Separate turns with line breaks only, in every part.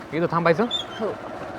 इथं थांबायचं.
हो.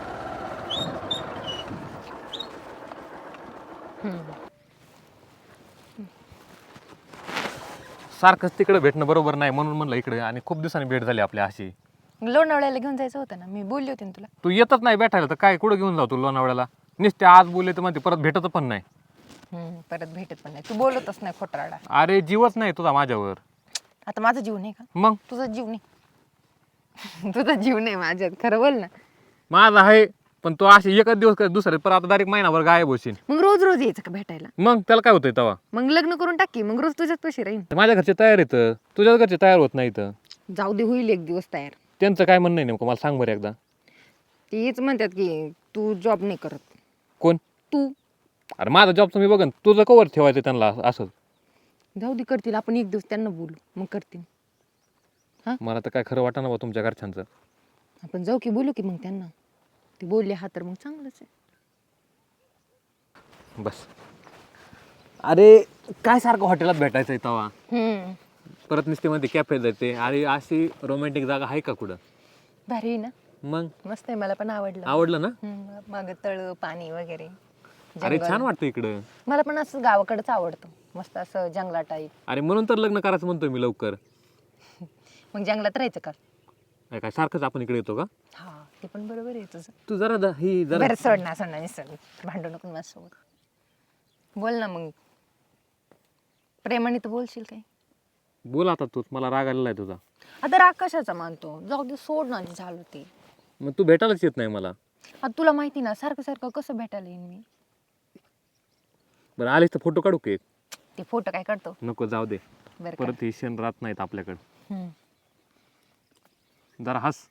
सारखंच तिकडे भेटणं बरोबर नाही म्हणून म्हणलं इकडे, आणि खूप दिवसांनी भेट झाली आपली अशी.
लोणावळ्याला घेऊन जायचं होतं ना, मी बोलली होती ना तुला.
तू येतच नाही भेटायला तर काय कुठं घेऊन जाऊ तू लोणावळ्याला? नुसते आज बोलले तर म्हणते परत भेटत पण नाही.
परत भेटत पण नाही, तू बोलतच नाही खोटराडा.
अरे जीवच नाही तुझा माझ्यावर.
आता माझा जीव नाही का?
मग
तुझा जीव नाही. तुझा जीव नाही माझ्यात, खरं बोल ना.
माझा आहे, पण तो असे एकच दिवस कर दुसरे पर आता डायरेक्ट महिनाभर गायब होशील.
मग रोज रोज यायचं का भेटायला?
मग त्याला काय होतंय तेव्हा?
मग लग्न करून टाकी, मग रोज तुझ्याच पैसे राहीन.
माझ्या घरचे तयार येतं, तुझ्याच घरचे तयार होत नाही तर.
जाऊ दे, होईल एक दिवस तयार.
त्यांचं काय म्हणणं आहे नेमकं मला सांग बरं एकदा.
तेच म्हणतात की तू जॉब नाही करत.
कोण?
तू.
अरे माझा जॉबचं मी बघन, तुझं कवर ठेवायचं त्यांना असं.
जाऊ दे, करतील. आपण एक दिवस त्यांना बोलू, मग करतील.
मला तर काय खरं वाटणार बा तुमच्या घरच्यांचं.
आपण जाऊ की बोलू की मग त्यांना. ते बोलले हा तर मग चांगलंच आहे.
बस. अरे काय सारखं हॉटेलात भेटायचं आहे तेव्हा? परत नुसते मध्ये कॅफे जाते. अरे अशी रोमॅन्टिक जागा आहे का कुठं?
भारी आहे ना.
मग
मस्त आहे, मला पण आवडलं.
आवडलं ना?
माग तळ, पाणी वगैरे.
अरे
जंगल.
छान वाटतं इकडं.
मला पण असं गावाकडंच आवडतं, मस्त असं जंगला टाईप.
अरे म्हणून तर लग्न करायचं म्हणतोय मी लवकर.
मग जंगलात राहायचं का?
काय सारखंच आपण इकडे येतो का?
हा, ते पण बरोबर आहे तुझं.
तू जरा ही जरा
बरं सोड ना निसर्ग, भांडू नको माझ्यासोबत. बोल ना मग, प्रेमाने तर बोलशील काय?
बोल आता तूच, मला राग आलेला आहे तुझा.
आता राग कशाचा मानतो? जाऊ दे, सोड ना, जे झालं ते.
मग तू भेटायलाच येत नाही मला.
आता तुला माहिती ना, सारखं सारखं कसं भेटायला येईन मी?
बरं आलीस तर फोटो काढू की?
ते फोटो काय काढतो?
नको, जाऊ दे.
बरं
परत हे क्षण राहत नाहीत आपल्याकडे.
का?
जरा हस.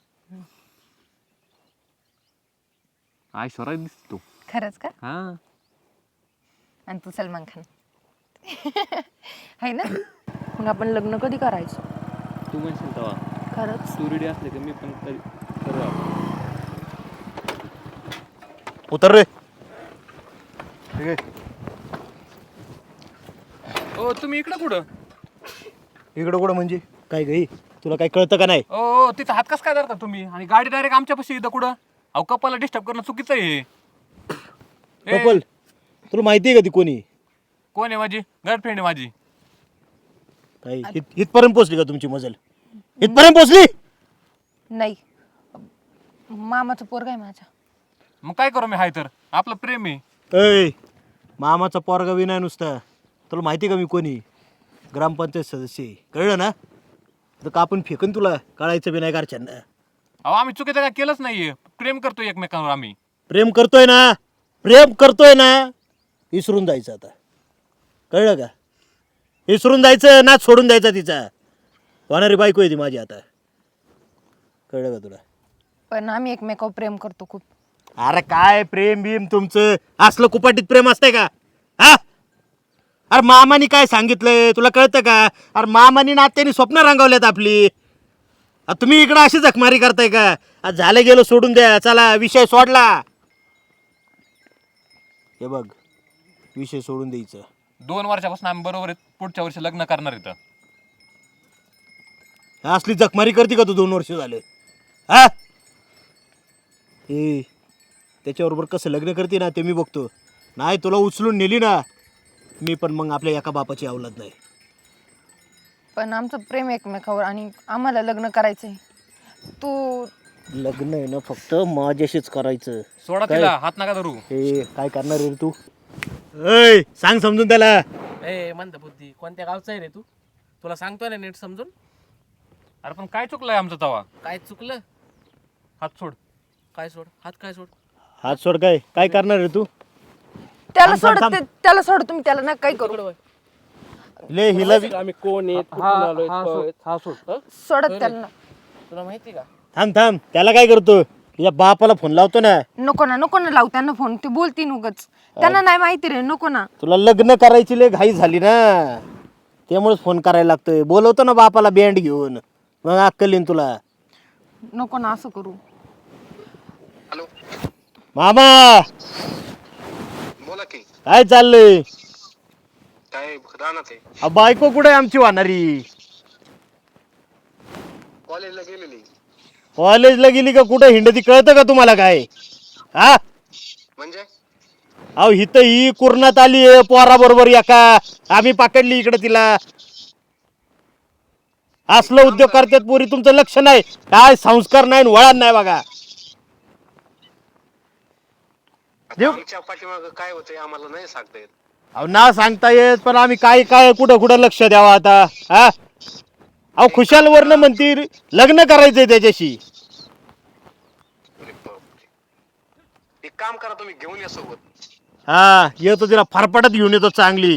ऐश्वर्या दिसते तू.
खरंच का?
हा.
आणि तू सलमान खान आहे ना. मग आपण लग्न कधी करायचं?
तू म्हणशील तेव्हा.
खरंच?
तू रेडी असले की मी पण करू.
उतर रे. ठीक आहे.
ओ तुम्ही इकडं कुठं?
इकडं कुठं म्हणजे काय गई? तुला काय कळतं का नाही?
ओ तिचा हात कस काय धरता तुम्ही? आणि गाडी डायरेक्ट आमच्यापाशी इथं कुठं? अहो कपाला डिस्टर्ब करणं चुकीचं आहे.
कपल, तुला माहिती आहे का ती कोणी?
कोण आहे माझी? गर्लफ्रेंड आहे माझी.
काय इथपर्यंत पोचली का तुमची मजल? इथपर्यंत पोचली?
नाही, मामाचं पोरगा आहे माझ्या.
मग काय करू मी? हाय तर आपलं प्रेम आहे.
ऐ, मामाचा पोरगा बी नाही नुसता. तुला माहिती आहे का मी कोणी? ग्रामपंचायत सदस्य आहे. कळलं ना? तर कापून फेकन तुला, कळायचं बी नाही घरच्यांना.
अहो आम्ही चुकीचं काय केलंच नाहीये. प्रेम करतो एकमेकांवर आम्ही.
प्रेम करतोय ना? प्रेम करतोय ना? विसरून जायचं आता. कळलं का? विसरून जायचं, नाच सोडून द्यायचा तिचा. होणारी बायको आहे ती माझी आता. कळलं का तुला?
पण आम्ही एकमेकावर प्रेम करतो खूप.
अरे काय प्रेम बिम तुमचं? असलं कुपाटीत प्रेम असतंय का? हा? अरे मामानी काय सांगितलंय तुला कळतं का? अरे मामानी नात्याने स्वप्न रंगवल्यात आपली. तुम्ही इकडं अशी जखमारी करताय का? आज झालं गेलं सोडून द्या, चला विषय सोडला. हे बघ, विषय सोडून द्यायचं.
2 वर्षापासून आम्ही बरोबर आहेत. पुढच्या वर्षी लग्न करणार इथं.
असली जखमारी करते का तू? 2 वर्ष झाले. हा? ए, त्याच्याबरोबर कसं लग्न करते ना ते मी बघतो. नाही तुला उचलून नेली ना मी, पण मग आपल्या एका बापाची औलाद नाही.
पण आमचं प्रेम एकमेकावर, आणि आम्हाला लग्न करायचंय. तू
लग्न आहे ना फक्त माझ्याशीच करायचं.
सोडा
काय?
तिला, हात नका धरू.
हे काय करणार रे तू? ऐ, सांग समजून त्याला.
ए मंदबुद्धी, कोणत्या गावचा आहे रे तू? तुला सांगतोय ना नीट समजून.
अरे पण काय चुकलंय आमचं तवा?
काय चुकलं?
हात सोड.
काय सोड? हात काय सोड?
हात सोड. काय काय करणार रे तू?
त्याला
थांब,
सोड,
थांब.
त्याला सोड. तुम्ही त्याला ना काही करू.
ले हिला
आम्ही कोण आहेत, कुठून आलोय,
हा सोड.
सोडत त्याला ना.
तुला माहिती का?
थांब थांब. त्याला काय करतो? तुझ्या बापाला फोन लावतो ना.
नको ना लावू त्यांना फोन. ते बोलतील उगच. त्यांना नाही माहिती रे, नको ना.
तुला लग्न करायची लय घाई झाली ना, त्यामुळेच फोन करायला लागतोय. बोलवतो ना बापाला बँड घेऊन, मग अक्कल येईन तुला.
नको ना असं करू.
मामा
बोला की
काय चाललंय?
काय राहणार आहे?
बायको कुठे आमची वाहणारी?
कॉलेजला गेलेली.
कॉलेजला गेली का कुठं हिंडती कळतं का तुम्हाला काय? हा
म्हणजे
अहो हिथं ही कुरणात आली आहे पोरा बरोबर एका, आम्ही पकडली इकडे तिला. असलं उद्योग करतात पोरी, तुमचं लक्ष नाही, काय संस्कार नाही वळण नाही बघा.
आता आमच्या पाठीमागं काय होतंय आम्हाला नाही सांगता येत.
अहो ना सांगता येत, पण आम्ही काय काय कुठं कुठं लक्ष द्यावं आता? हा अहो खुशाल वरनं म्हणती लग्न करायचंय त्याच्याशी.
अरे बापरे. एक काम करा, तुम्ही घेऊन या सोबत.
हा येतो तिला फरफटत घेऊन येतो चांगली.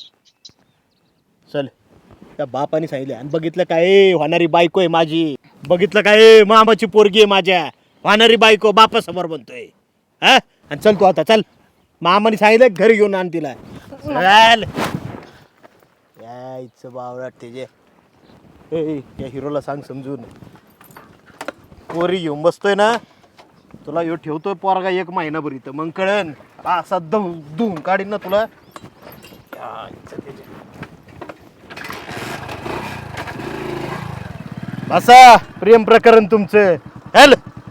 चल त्या बापाने सांगितलं आणि बघितलं काय होणारी बायको आहे माझी, बघितलं काय मामाची पोरगी आहे माझ्या, होणारी बायको बापासमोर बनतोय. हा आणि चल तू आता चल, मामाने सांगितलं घरी घेऊन आण तिला. चल यायचं बावळाट त्याचे. या हिरोला सांग समजून, पोरी घेऊन बसतोय ना तुला ह्यो ठेवतोय पोरगा 1 महिनाभर इथं, मग कळन असा धुवून काढीन ना तुला. बसा प्रेम प्रकरण तुमचं. हॅल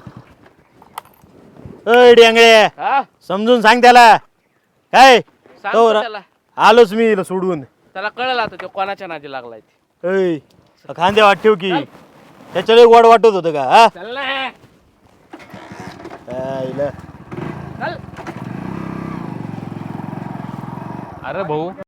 डेंगळे
हा
समजून सांग त्याला काय.
सांगतो
तो
त्याला.
आलोच मी हिला सोडून.
त्याला कळलं आता तो कोणाच्या नादी लागलाय ते.
ऐ खांद्या वाट ठेव की, त्याच्याला गोड वाटत होतं का? हा
चल ना
आईला.
चल.
अरे भाऊ